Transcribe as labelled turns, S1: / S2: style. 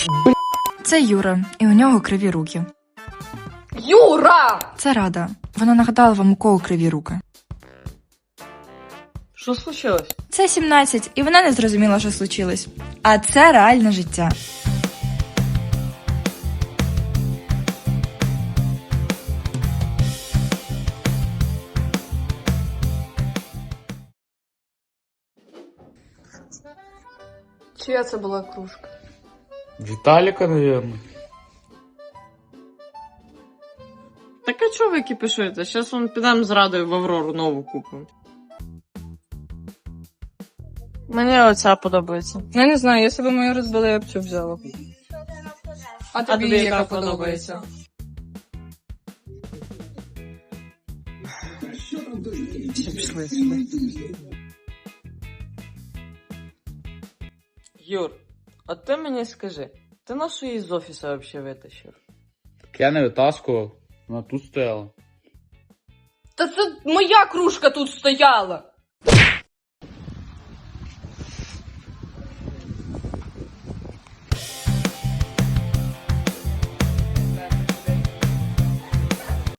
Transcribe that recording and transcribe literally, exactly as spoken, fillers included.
S1: Це Юра, і у нього криві руки.
S2: Юра!
S1: Це Рада. Вона нагадала вам, у кого криві руки.
S2: Що случилось?
S1: Це сімнадцять, і вона не зрозуміла, що случилось. А це реальне життя.
S2: Чия це була кружка?
S3: Виталика, наверное.
S4: Так а чого ви кипішуєте? Зараз вон підемо з Радою в Аврору нову купимо. Мені оця подобається.
S2: Я не знаю, якщо б мою розбили, я б цю взяла. А тобі,
S4: тобі
S2: яка
S4: яка
S2: подобається?
S4: Пішли сюди. Юр, а ти мені скажи, ти нашу її з офісу взагалі витащив?
S3: Так я не витаскував, вона тут стояла.
S2: Та це моя кружка тут стояла!